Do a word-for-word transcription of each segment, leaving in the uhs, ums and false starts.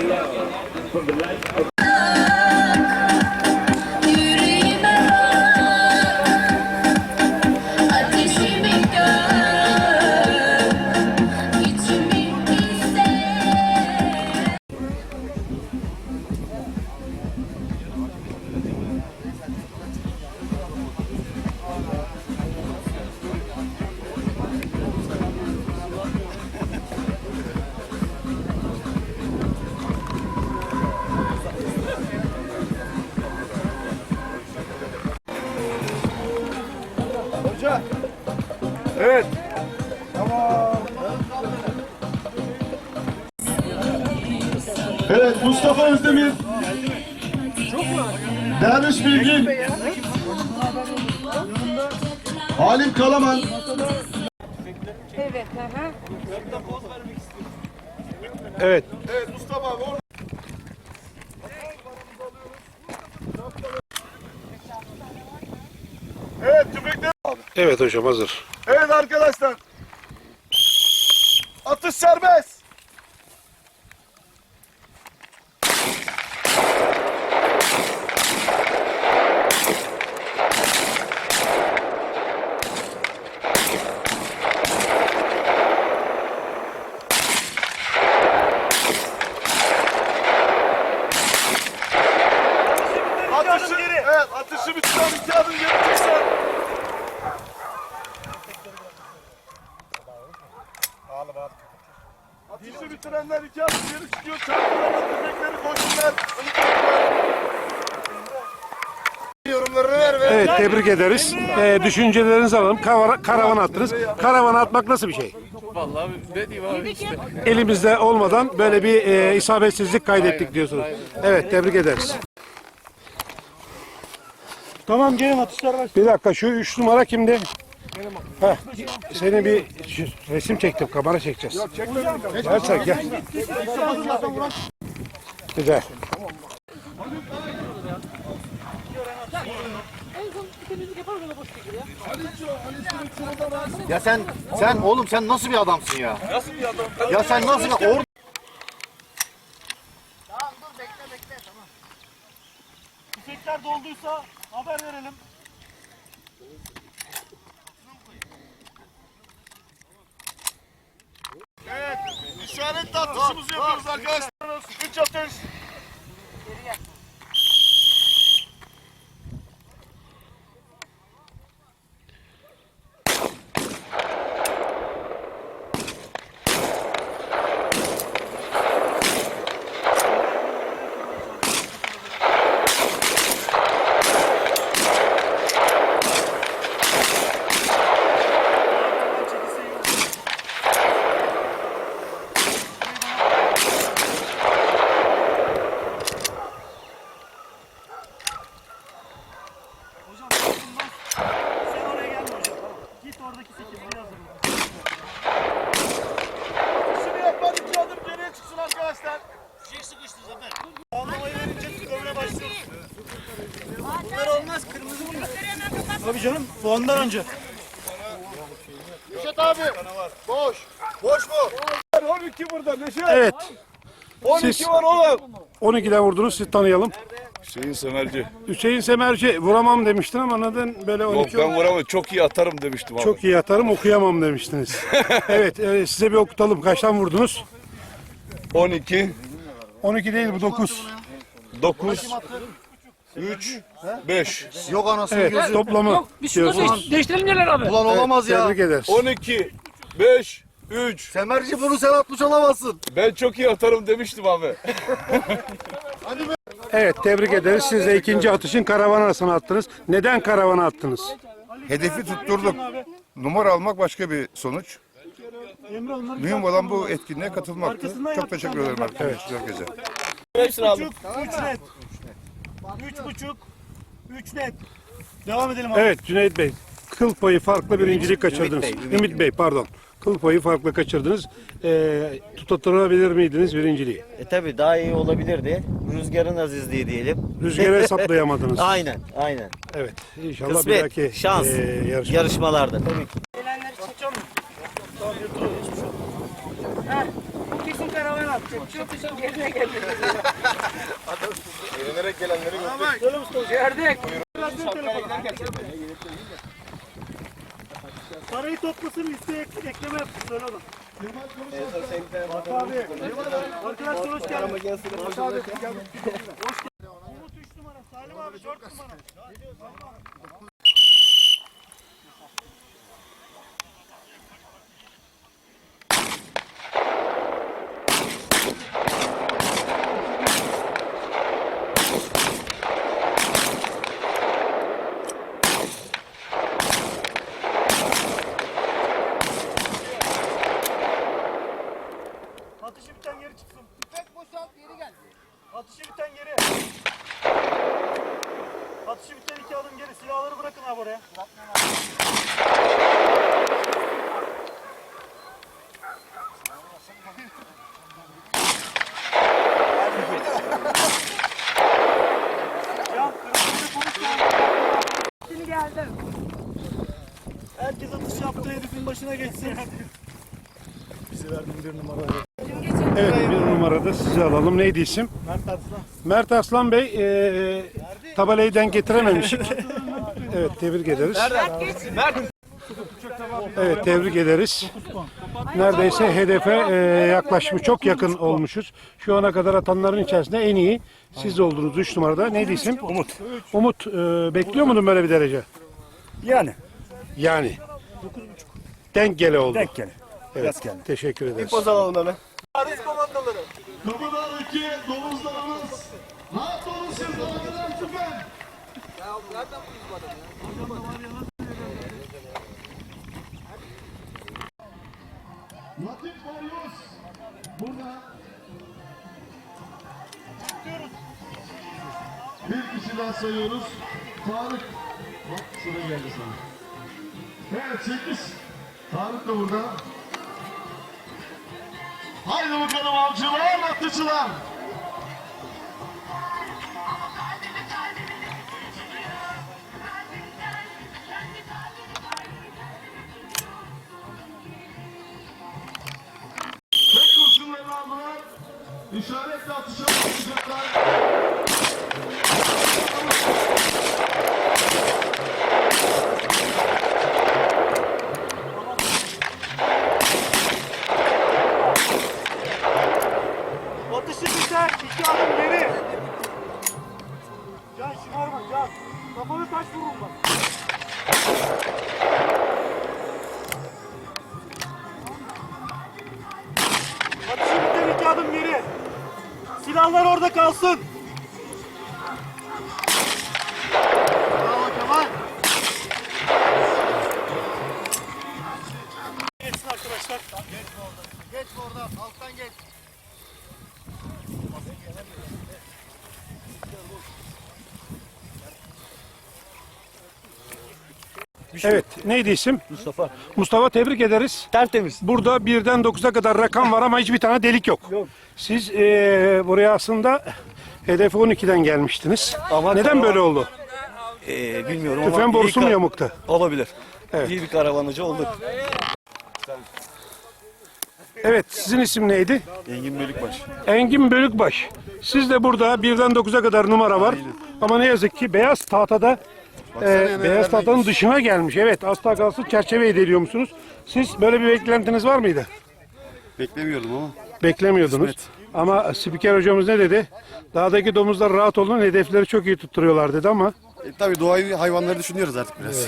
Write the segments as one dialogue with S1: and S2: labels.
S1: Evet. Tamam. Evet, Mustafa Özdemir. Derviş Bilgin. Halim Kalaman.
S2: Evet, hı hı.
S1: Evet. Evet, Mustafa abi orada. Evet, tüfekler.
S3: Evet hocam, hazır.
S1: Evet arkadaşlar. Atış serbest. Atışı, evet, atışı bitiren iki adım geri çıksa. Atışı bitirenler iki adım geri çıkıyor. Çarpılarla tüfekleri koysunlar. Yorumlarını ver ve...
S3: Evet, tebrik ederiz. Ee, düşüncelerinizi alalım. Kara- Karavan attınız. Karavan atmak nasıl bir şey?
S4: Vallahi ne diyeyim abi işte.
S3: Elimizde olmadan böyle bir e, isabetsizlik kaydettik diyorsunuz. Evet, tebrik ederiz.
S1: Tamam, gelin atışlar var.
S3: Bir dakika, şu üç numara kimdi? Heh, seni bir resim çektim, kamera çekeceğiz. Gel sen, gel. Güzel.
S5: Ya sen, sen oğlum sen nasıl bir adamsın ya? Nasıl bir adam? Ya sen nasıl bir... Or
S2: Tamam, dur bekle bekle, tamam.
S1: Tüfekler dolduysa haber verelim. Evet, işaretli atışımızı yapıyoruz arkadaşlar. Üç atış. Şimdi yapmadık, iki adım geriye çıksın arkadaşlar. Şey sıkıştı zaten. Anlamayı verince dövmeye başlıyoruz. Bunlar olmaz, kırmızı bunlar. Tabii canım, bu ondan önce. Neşet abi, boş. Boş mu? on iki burada Neşet.
S3: Evet.
S1: on iki
S3: Siz-
S1: var oğlum.
S3: on ikiden vurdunuz, siz tanıyalım.
S6: Hüseyin Semerci.
S3: Hüseyin Semerci, vuramam demiştin ama neden böyle on
S6: Yok
S3: iki?
S6: ben vuramam. Çok iyi atarım demiştim abi.
S3: Çok iyi atarım, okuyamam demiştiniz. Evet, e, size bir okutalım. Kaçtan vurdunuz?
S6: on iki,
S3: on iki değil, bu dokuz.
S6: dokuz, üç, beş.
S5: yok anasını
S3: Evet,
S5: gözü.
S3: toplamı diyorsunuz.
S4: Değiştirelim neler abi?
S5: Ulan olamaz ya.
S3: Tebrik ederiz.
S6: on iki, beş, üç.
S5: Semerci bunu sen atmış olamazsın.
S6: Ben çok iyi atarım demiştim abi.
S3: Evet, tebrik ederiz. Siz de ikinci atışın karavan arasına attınız. Neden karavana attınız?
S7: Hedefi tutturduk. Numara almak başka bir sonuç. Mühim olan bu etkinliğe katılmaktı. Çok teşekkür ederim arkadaşlar herkese.
S1: Üç buçuk, üç net. Üç buçuk, üç net. Devam edelim abi.
S3: Evet, Cüneyt Bey. Kıl payı farklı birincilik kaçırdınız. Ümit Bey, pardon. Kıl payı farklı kaçırdınız. Ee, tutatırabilir miydiniz birinciliği?
S8: E tabi daha iyi olabilirdi. Rüzgarın azizliği diyelim.
S3: Rüzgarı hesaplayamadınız.
S8: Aynen, aynen.
S3: Evet, inşallah bir
S8: Kısmet,
S3: dahaki
S8: şans,
S3: e, yarışma.
S8: yarışmalarda tabii ki.
S2: Gelenleri çekeceğim mi? Ha, bu kesin karavan
S6: Eğlenerek gelenleri gördük.
S1: Söyle Mustafa.
S4: Yerdik.
S1: Parayı toplasın listeye ek- ekleme yapsın. Söyle ona. Bak abi. Arkadaşlar hoş geldin. Hoş abi. Hoş geldin. Umut üç numara. Salim abi dört numara. Atışı biten geri çıksın.
S2: Tüfek boşalt geri gel.
S1: Atışı biten geri. Atışı biten iki adım geri. Silahları bırakın abi oraya. Ya kırmızı konuş ya. Herkes atış yaptığı herifin başına geçsin.
S3: Evet, bir numarada sizi alalım. Neydi isim?
S1: Mert Arslan.
S3: Mert Aslan Bey, e, tabelayı denk getirememiştik. Evet, tebrik ederiz. Evet, tebrik ederiz. Neredeyse hedefe e, yaklaşmış, çok yakın olmuşuz. Şu ana kadar atanların içerisinde en iyi siz oldunuz. Üç numarada. Neydi isim? Umut. Umut, e, bekliyor muydun böyle bir derece?
S1: Yani.
S3: Yani. Denk gele oldu.
S1: Denk gele.
S3: Evet, teşekkür ederiz.
S1: Poz alalım hemen. Paris komandoları.
S9: Kapıdaki domuzlarımız rahat olun siz dalgadan tüfen. Latif Barlos burada. Bir kişi daha sayıyoruz. Tarık. Bak sıra geldi sana. Evet sekiz. Tarık da burada. Haydi bakalım avcılar, atıcılar. Tek kurşunlarını aldılar. İşaretle atışa başlayacaklar.
S1: Atışı biter. İki adım geri. Can şımarma can. Kafanı taş vurun bak. Atışı biter. İki adım geri. Silahlar orada kalsın. Bravo Kemal. Geçsin arkadaşlar.
S2: Geç oradan alttan geç.
S3: Evet, neydi isim? Mustafa. Mustafa, tebrik ederiz.
S1: Tertemiz.
S3: Burada birden dokuza kadar rakam var ama hiçbir tane delik yok.
S1: Yok.
S3: Siz eee, buraya aslında hedefe on ikiden gelmiştiniz.
S8: Ama
S3: Neden böyle oldu?
S8: Ee, bilmiyorum
S3: Tüfen
S8: ama
S3: borusu
S8: iyi
S3: mu
S8: ka-
S3: yamukta?
S8: olabilir.
S3: Evet.
S8: İyi bir karavanıcı olduk.
S3: Evet, sizin isim neydi?
S8: Engin Bölükbaş.
S3: Engin Bölükbaş. Siz de burada birden dokuza kadar numara var. Ama ne yazık ki beyaz tahtada e, beyaz tahtanın dışına gelmiş. Evet, asla kalsın çerçeve ediliyor musunuz? Siz böyle bir beklentiniz var mıydı?
S7: Beklemiyordum ama.
S3: Beklemiyordunuz. Ama spiker hocamız ne dedi? Dağdaki domuzlar rahat olun, hedefleri çok iyi tutturuyorlar dedi ama.
S7: E, tabii doğayı, hayvanları düşünüyoruz artık biraz.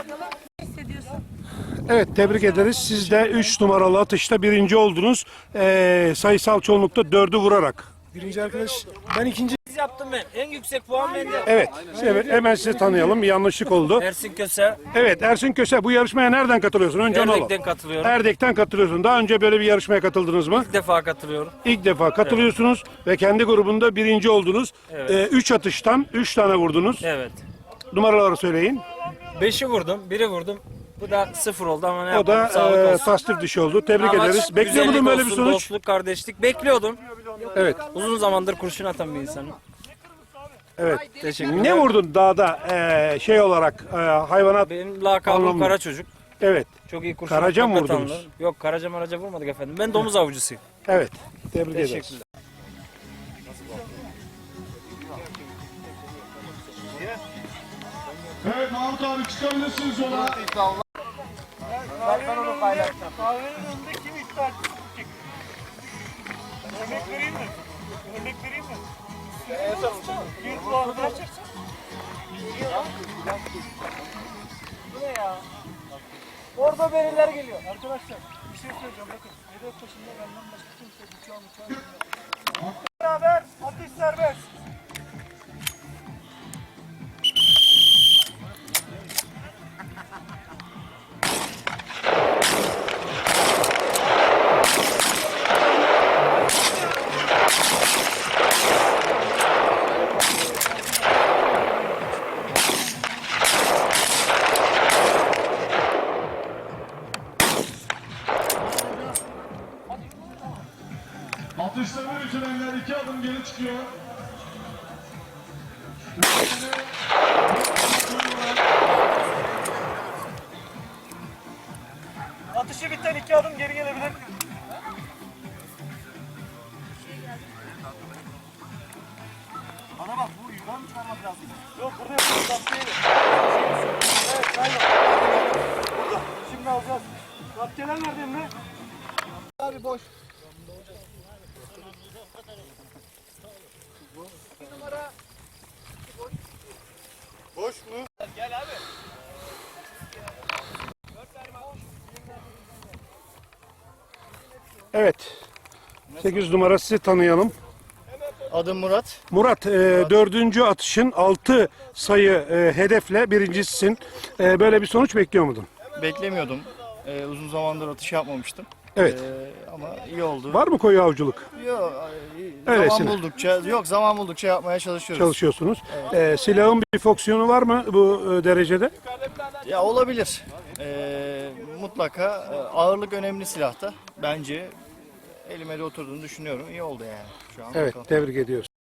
S3: Evet, tebrik ederiz. Siz de üç numaralı atışta birinci oldunuz. Ee, sayısal çoğunlukta dördü vurarak.
S4: Birinci arkadaş. Ben ikinci yaptım ben. En yüksek puan bende.
S3: Evet, evet, hemen sizi tanıyalım. Bir yanlışlık oldu.
S4: Ersin Köse.
S3: Evet, Ersin Köse, bu yarışmaya nereden katılıyorsun? Önce onu alalım.
S4: Erdek'ten katılıyorum.
S3: Erdek'ten katılıyorsun. Daha önce böyle bir yarışmaya katıldınız mı?
S4: İlk defa katılıyorum.
S3: İlk defa katılıyorsunuz ve kendi grubunda birinci oldunuz.
S4: Evet.
S3: Ee, üç atıştan üç tane vurdunuz.
S4: Evet.
S3: Numaraları söyleyin.
S4: Beşi vurdum, biri vurdum. Bu da sıfır oldu ama ne
S3: O
S4: yapalım,
S3: da
S4: sağlık
S3: e,
S4: olsun.
S3: tasdif dışı oldu. Tebrik
S4: Amaç
S3: ederiz. Bekliyor
S4: güzellik
S3: muydun böyle bir
S4: olsun,
S3: sonuç?
S4: Dostluk, kardeşlik. Bekliyordum.
S3: Evet.
S4: Uzun zamandır kurşun atan bir insanım.
S3: Evet.
S4: Teşekkürler.
S3: Ne vurdun dağda e, şey olarak e, hayvanat
S4: Benim lakabım
S3: Anlamlı.
S4: Kara Çocuk.
S3: Evet.
S4: Çok iyi kurşun.
S3: Karaca mı
S4: atmak
S3: vurdunuz?
S4: atanlar. Yok, karaca maraca vurmadık efendim. Ben domuz avcısıyım.
S3: Evet. Tebrik ederiz.
S4: Teşekkürler.
S9: Evet Mahmut abi çıkabilirsiniz yola.
S2: Ben onu paylaşacağım.
S1: Kahvenin önünde kim iddia çekiyor? Örnek vereyim mi? Örnek vereyim mi? Bir puanla.
S4: Bu ne ya? Orada beriler geliyor.
S1: Arkadaşlar bir şey söyleyeceğim bakın. Hedef başında benden başka kimse bıçağı bıçağı bilmiyor. Beraber atış serbest.
S9: Atışlarını bitirenler iki adım geri çıkıyor.
S1: Atışı biten iki adım geri gelebilir. Bana bak bu yukarı mı çıkarmak lazım? Yok burada yapıyoruz. Zaptiyeyle. Evet sen yap. Burada. Şimdi alacağız. Zaptiyeler nerede Emre?
S2: Abi boş.
S1: Boş mu? Gel abi.
S3: Evet. sekiz numara sizi tanıyalım.
S5: Adım Murat.
S3: Murat, e, dördüncü atışın altı sayı e, hedefle birincisisin. E, böyle bir sonuç bekliyor muydun?
S5: Beklemiyordum. Ee, uzun zamandır atış yapmamıştım.
S3: Evet.
S5: Ee, ama iyi oldu.
S3: Var mı koyu avcılık?
S5: Yok,
S3: Öylesine.
S5: zaman buldukça, yok zaman buldukça yapmaya çalışıyoruz.
S3: Çalışıyorsunuz. E, silahın bir fonksiyonu var mı bu e, derecede?
S5: Ya olabilir. Ee, mutlaka e, ağırlık önemli silahta. Bence elime de oturduğunu düşünüyorum. İyi oldu yani. Şu an
S3: Evet,
S5: bakalım.
S3: tebrik ediyoruz.